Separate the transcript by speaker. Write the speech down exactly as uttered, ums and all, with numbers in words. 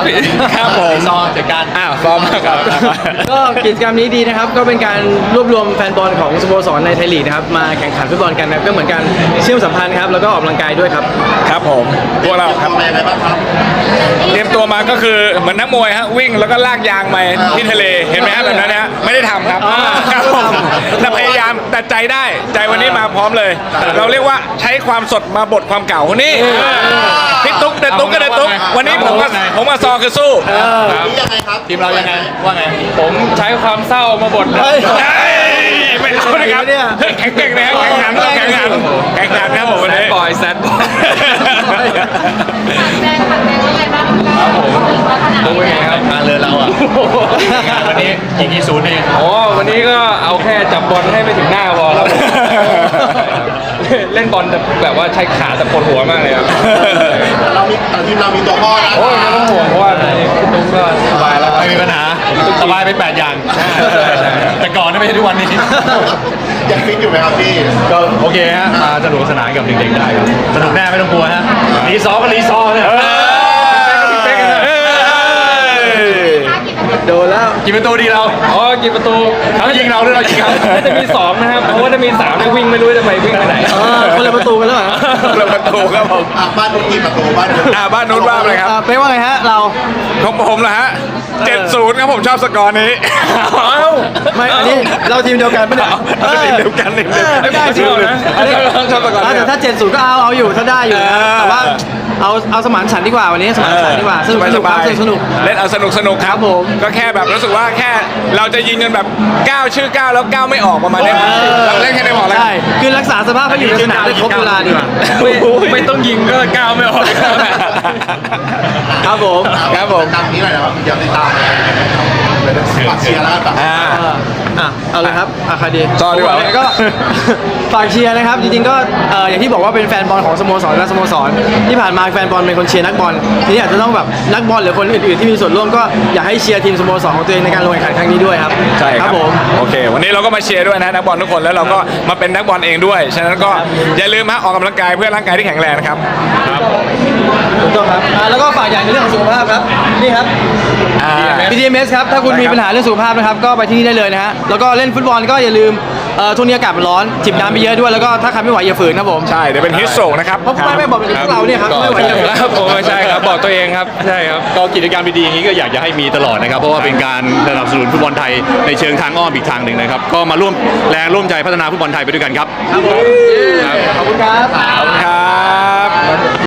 Speaker 1: พี่ครับผมซอจัดการอ้าวซอมาครับ
Speaker 2: ก็กิจกรรมนี้ดีนะครับก็เป็นการรวบรวมแฟนบอลของสโมสรในไทยลีกนะครับมาแข่งขันฟุตบอลกันนะครับก็เหมือนกันเชื่อมสัมพันธ์ครับแล้วก็ออกกำลังกายด้วยครับ
Speaker 1: ครับผมพวกเราครับเตรียมตัวมาก็คือเหมือนนักมวยฮะวิ่งแล้วก็ลากยางไปที่ทะเลเห็นไหมฮะแบบนั้นนะไม่ได้ทำครับครับผมแต่พยายามแต่ใจได้ใจวันนี้มาพร้อมเลย เราเรียกว่าใช้ความสดมาบทความเก่านี่พี่ตุ๊กเด็ดตุ๊กก็เด็ดตุ๊กวันนี้ผมกับผมกับซอคือสู้
Speaker 3: ยังไงครับ
Speaker 1: ทีมเรายังไงว่าไง
Speaker 4: ผมใช้ความเศร้ามาบดเลย
Speaker 1: ไม่เอานะครับแข่งเก่งนะครับแข่งขันแข่งขันแข่งขันครับผมวันนี้
Speaker 4: บอยแซดบอย
Speaker 5: แดงผัดแดงว่าไงบ้างครับผม
Speaker 4: ดูยังไงครับ
Speaker 1: มาเลยเราอ่ะวันนี้อีกกี่ศูนย์เอง
Speaker 4: อ๋อวันนี้ก็เอาแค่จับบอลให้ไปถึงหน้าพอครับเล่นบอลแบบว่าใช้ขาแต่ปวดหัวมากเลยครับ
Speaker 3: เรามีทีมเรามีตัวพ่อนะ
Speaker 4: โอ้ยไม่ต้องห่วงเพราะว่าพี่ตุ้มก็สบายแล้ว
Speaker 1: ไม่มีปัญหาสบายไปแปดอย่างแต่ก่อนไม่ใช่ทุกวันนี้
Speaker 3: ยังฟิตอยู่ไหมครับพี่
Speaker 1: ก็โอเคฮะมาสนุกสนานกับเด็กๆได้ครับสนุกแน่ไม่ต้องกลัวฮะรีซอก็รีซอเนี่ย
Speaker 2: โดนแล้ว
Speaker 1: กี่ประตูดีเรา
Speaker 4: อ๋อกี่ประตู
Speaker 1: เขายิงเราหรือเรายิงเขา
Speaker 4: จะมีสองนะครับเพราะว่าถ้ามีสามเนี่ยวิ่งไม่รู้จะไปวิ่งไปไหน
Speaker 2: คนละประตูกันแล้วเหรอ
Speaker 1: คนละประตูครับผม
Speaker 3: บ้านนู้นกี่ประตูบ้านนู้น
Speaker 1: อ่าบ้านนู้นว่าอะไรครับ
Speaker 2: เป็นว่าไงฮะเรา
Speaker 1: ของผมเหรอฮะเจ็ดศูนย์ครับผมชอบสกอร์นี้
Speaker 2: ไม่อันนี้เราทีมเดียวกันไม่ได้
Speaker 1: ทีมเดียวกันนี่
Speaker 2: ไม่ได้จริงนะ
Speaker 1: ชอบสกอร์
Speaker 2: แต่ถ้าเจ็ดศูนย์ก็เอาเอาอยู่ถ้าได้อยู่แต่ว่าเอาเอาสมานฉันดีกว่าวันนี้สมานฉันดีกว่าสนุกสนุกครับสนุก
Speaker 1: เล่นเอาสนุกสนุกครับผมก็แค่แบบรู้สึกว่าแค่เราจะยิงกันแบบก้าวชื่อก้าวแล้วก้าวไม่ออกประมาณนี้เราเล่นแค่ได้บอกแล้ว
Speaker 2: ใช่คือรักษาสภาพให้อยู่ในสนามได้ครบเวลาดีกว่า
Speaker 4: ไม่ต้องยิงก็ก้าวไม่ออก
Speaker 2: ครับผม
Speaker 1: ครับผม
Speaker 3: ตามนี้หน่อยนะครับเดี๋ยวติดตามฝากเชียร์แล้วกัน
Speaker 2: อ่าอ่ะเอาเลยครับอาคาดี
Speaker 1: ต่อดีกว่า
Speaker 2: ก็ฝากเชียร์นะครับจริงๆก็อย่างที่บอกว่าเป็นแฟนบอลของสโมสรและสโมสรที่ผ่านมาแฟนบอลเป็นคนเชียร์นักบอลทีนี้อาจจะต้องแบบนักบอลหรือคนอื่นๆที่มีส่วนร่วมก็อยากให้เชียร์ทีมสโมสรของตัวเองในการลงแข่งขันครั้งนี้ด้วยครับ
Speaker 1: ใช่ครับ
Speaker 2: ผม
Speaker 1: โอเควันนี้เราก็มาเชียร์ด้วยนะนักบอลทุกคนแล้วเราก็มาเป็นนักบอลเองด้วยฉะนั้นก็อย่าลืมฮะออกกำลังกายเพื่อร่างกายที่แข็งแรงนะครับ
Speaker 2: ครับถูกต้องครับแล้วก็ฝากอย่างในเรื่องของสุขภาพครับนี่ครับ บี ที เอ็ม เอส ครับถ้าคุณมีปัญหาเรื่องสุขภาพนะครับก็ไปที่นี่ได้เลยนะฮะแล้วก็เล่นฟุตบอลก็อย่าลืมช่วงนี้อากาศมันร้อนจิบน้ำไปเยอะด้วยแล้วก็ถ้าใครไม่ไหวอย่าฝืนครับผม
Speaker 1: ใช่เดี๋ยวเป็นฮิสโตรกนะครับ
Speaker 2: เพราะไม่ไม่บอกเป็นพวกเราเนี่ยครับไม่ไหวอย่าฝืน
Speaker 4: ครับผมใช่ครับบอกตัวเองครับใช่ครับ
Speaker 6: ก็กิจกรรมดีๆอย่างนี้ก็อยากจะให้มีตลอดนะครับเพราะว่าเป็นการสนับสนุนฟุตบอลไทยในเชิงทางอ้อมอีกทางหนึ่งนะครับก็มาร่วมแรงร่วมใจพัฒนาฟุตบอลไทยไปด้วยกันครับ
Speaker 2: ครับผมขอบคุณครับ
Speaker 1: ครับ